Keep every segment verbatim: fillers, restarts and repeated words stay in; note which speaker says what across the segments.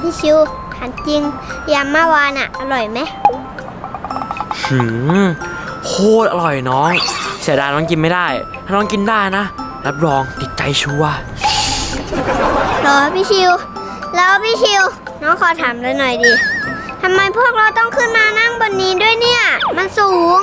Speaker 1: พี่ชิวถามจริงยำเมื่อวานอะอร่อยไหม
Speaker 2: หืมโคตรอร่อยน้องเสียดายน้องกินไม่ได้ถ้าน้องกินได้นะรับรองติดใจชัวร์
Speaker 1: รอพี่ชิวแล้วพี่ชิวน้องขอถามเลยหน่อยดิทำไมพวกเราต้องขึ้นมานั่งบนนี้ด้วยเนี่ยมันสูง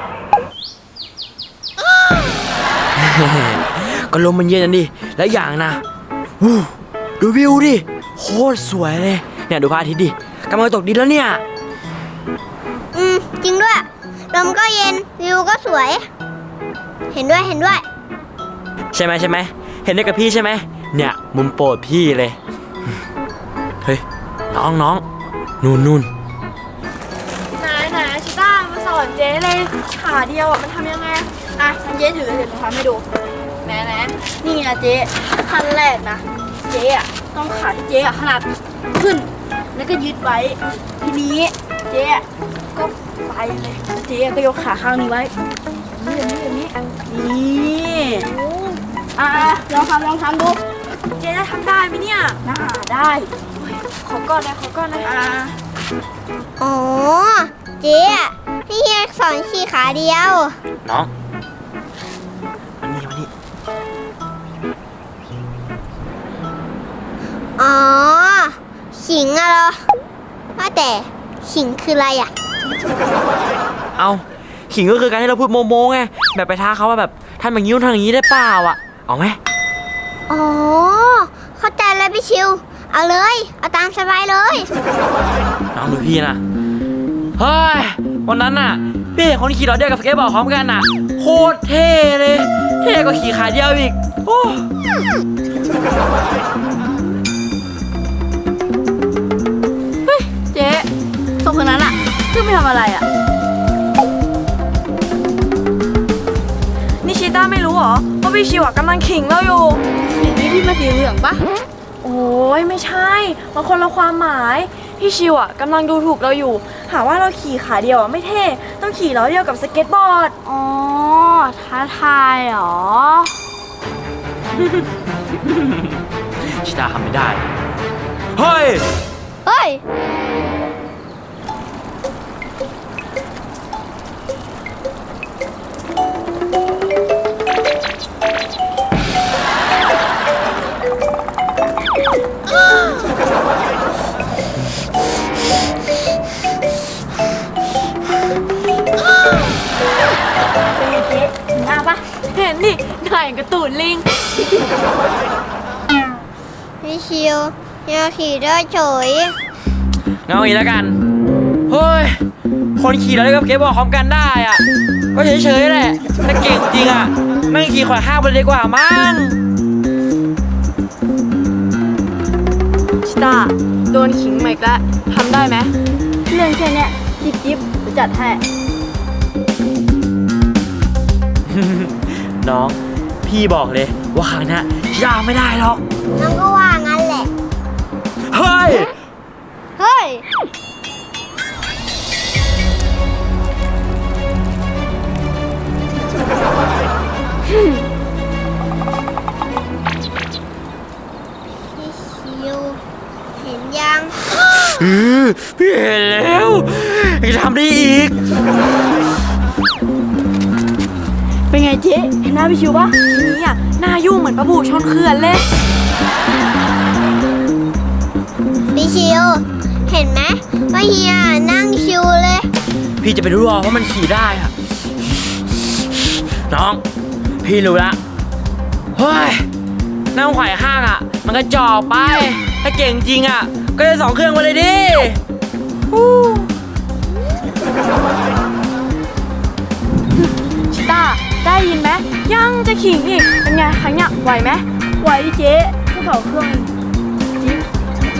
Speaker 2: ก็ลมมันเย็นดิและอย่างนะวู้ดูวิวดิโคตรสวยเลยเนี่ยดูพระอาทิตย์ดิกำลังตกดินแล้วเนี่ย
Speaker 1: อืมจริงด้วยลมก็เย็นวิวก็สวยเห็นด้วยเห็นด้วย
Speaker 2: ใช่ไหมใช่ไหมเห็นด้วยกับพี่ใช่ไหมเนี่ยมุมโปรดพี่เลยเฮ้ยน้องน้องนู่นนู่น
Speaker 3: ไหนไหนชิต้ามาสอนเจ๊เลยขาเดียวอ่ะมันทำยังไงอ่ะฉันเจ๊ถือเดี๋ยวหนูทำให้ดูแหนแหนนี่นะเจ๊ขั้นแรกนะเจ๊อ่ะต้องขาที่เจ๊อ่ะขนาดขึ้นแล้วก็ยึดไว้ทีนี้เจ๊อ่ะก็ไปเลยเจ๊ก็ยกขาข้างนี้ไว้นี่อย่างนี้อย่างนี้นี่อ่ะลองทำลองทำดูเจ๊จะทำได้ไหมเนี่ยน่าได้ขอก่อนเลยขอก่อนเลยอ่ะ
Speaker 1: อ๋อเจ๊อะพี่เฮียสอนขี่ขาเดียว
Speaker 2: น้องมานี่มานี่
Speaker 1: อ๋อขิงอะเหรอว่าแต่ขิงคืออะไรอะ
Speaker 2: เอาขิงก็คือการที่เราพูดโมโมไงแบบไปท้าเขาว่าแบบทำอย่างนี้ทำอย่างนี้ได้เปล่าอ่ะเอาไหม
Speaker 1: อ๋อเข้าใจแล้วพี่ชิวเอาเลยเอาตามสบายเลย
Speaker 2: น้องดูพี่นะเฮ้ยวันนั้นน่ะพี่เห็นคนขี่รถเดียวกับสเก็ตบอร์ดพร้อมกันน่ะโคตรเท่เลยเท่กว่าขี่ขาเดียวอีกโอ้
Speaker 3: เฮ้ยเจ๊สองคนนั้นอ่ะคือไม่ทำอะไรอ่ะนี่ชิต้าไม่รู้หรอว่าพี่ชิวกำลังขิงเราอยู่ขิงนี่ที่มาสีเหลืองปะโอ้ยไม่ใช่มันคนละความหมายพี่ชิวอ่ะกำลังดูถูกเราอยู่หาว่าเราขี่ขาเดียวอ่ะไม่เท่ต้องขี่ล้อเดียวกับสเก็ตบอร์ด
Speaker 1: อ๋อท้าทายเหรอ
Speaker 2: ชิตาทำไม่ได้เฮ้ย
Speaker 1: เฮ้ย
Speaker 3: เห็นดิหน้าอย่างกระตูนลิง
Speaker 1: พี่ชิวอยากขี่ได้เฉย
Speaker 2: งั้นเอางี้แล้วกันเฮ้ยคนขี่เราได้กับเก็บบอร์ดพร้อมกันได้อ่ะก็เฉยๆแหละแต่เก่งจริงอ่ะนั่งขี่ขวาข้างไปเลยดีกว่ามั้ง
Speaker 3: ชิต้าโดนขิงมาอีกแล้วทำได้ไหมเรื่องแค่นี้จิ๊บจิ๊บจะจัดให้
Speaker 2: น้องพี่บอกเลยว่าครั้งนี้ยากไม่ได้หรอก
Speaker 1: น้องก็ว่างั้นแหละ
Speaker 2: เฮ้ย
Speaker 1: เฮ้ยพี่ชิวเห็นยัง
Speaker 2: พี่เห็นแล้วจะทำได้อีก
Speaker 3: เป็นไงเจ๊เห็นหน้าพี่ชิวปะทีนี้อ่ะหน้ายุ่งเหมือนปลาบูชนเขื่อนเลย
Speaker 1: พี่ชิวเห็นไหมว่าเฮียนั่งชิวเลย
Speaker 2: พี่จะไปรู้หรอว่ามันขี่ได้อะน้องพี่รู้ละเฮ้ยนั่งไขว่ห้างอ่ะมันก็จอกไปถ้าเก่งจริงอ่ะก็ได้สองเครื่องมาเลยดิ
Speaker 3: ชิต้าได้ยินไหมยังจะขิงอีกเป็นไงครั้งเนี้ยไหวไหมไหวเจ๊แค่สองเครื่องจิ๊บ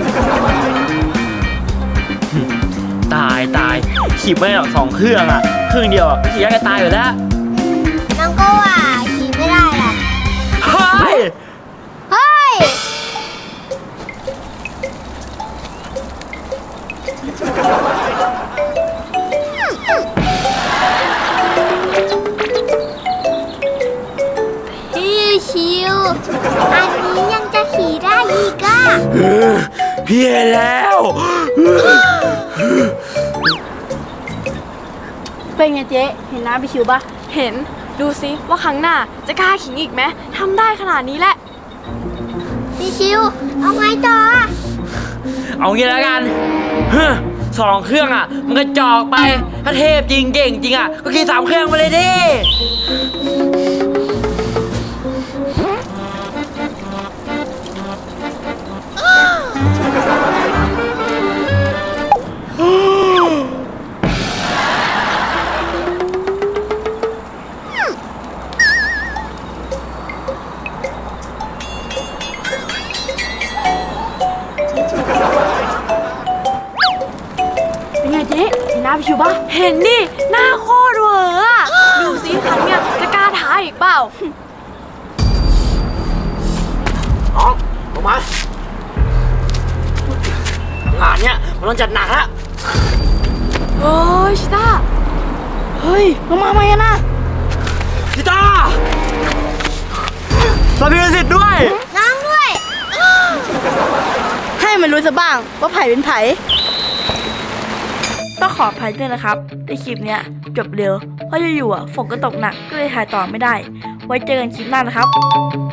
Speaker 2: ตายตายขี่ไม่ได้หรอกสองเครื่องอ่ะเครื่องเดียวอ่ะขี่ยังไงตายอยู่แล้ว
Speaker 1: น้องก็ว่าขี่ไม่ได้หรอก
Speaker 2: เฮ้ย
Speaker 1: เฮ้ยพี่ชิวอันนี้ยังจะขี่ได้อีกอ่ะ
Speaker 2: พี่เห็นแล้ว
Speaker 3: เป็นไงเจ๊เห็นน้าพี่ชิวปะเห็นดูซิว่าครั้งหน้าจะกล้าขิงอีกไหมทำได้ขนาดนี้แหละ
Speaker 1: พี่ชิว เอาไงต่ออะ
Speaker 2: เอางี้แล้วกันเฮ้อสองเครื่องอ่ะ มันก็จอกไป ถ้าเทพจริงเก่งจริงอ่ะ ก็ขี่สามเครื่องไปเลยดิ
Speaker 3: เป็นไงเจ๊เห็นหน้าพี่ชิวปะเห็นดิหน้าโคตรเวอร์อะดูซิครั้งเนี้ยจะกล้าท้าอีกเปล่า
Speaker 2: น้องลงมา งานเนี้ยมันต้องจัดหนักละ
Speaker 3: เฮ้ยชิต้าเฮ้ยลงมาไหมกันนะ
Speaker 2: พี่ตาเราพิสิทธิ์ด้วย
Speaker 1: น้องด้วย
Speaker 3: ให้มันรู้ซะบ้างว่าไผ่เป็นไผ่ต้องขออภัยด้วยนะครับในคลิปเนี้ยจบเร็วเพราะอยู่ๆอ่ะฝนก็ตกหนักก็เลยถ่ายต่อไม่ได้ ไว้เจอกันคลิปหน้านะครับ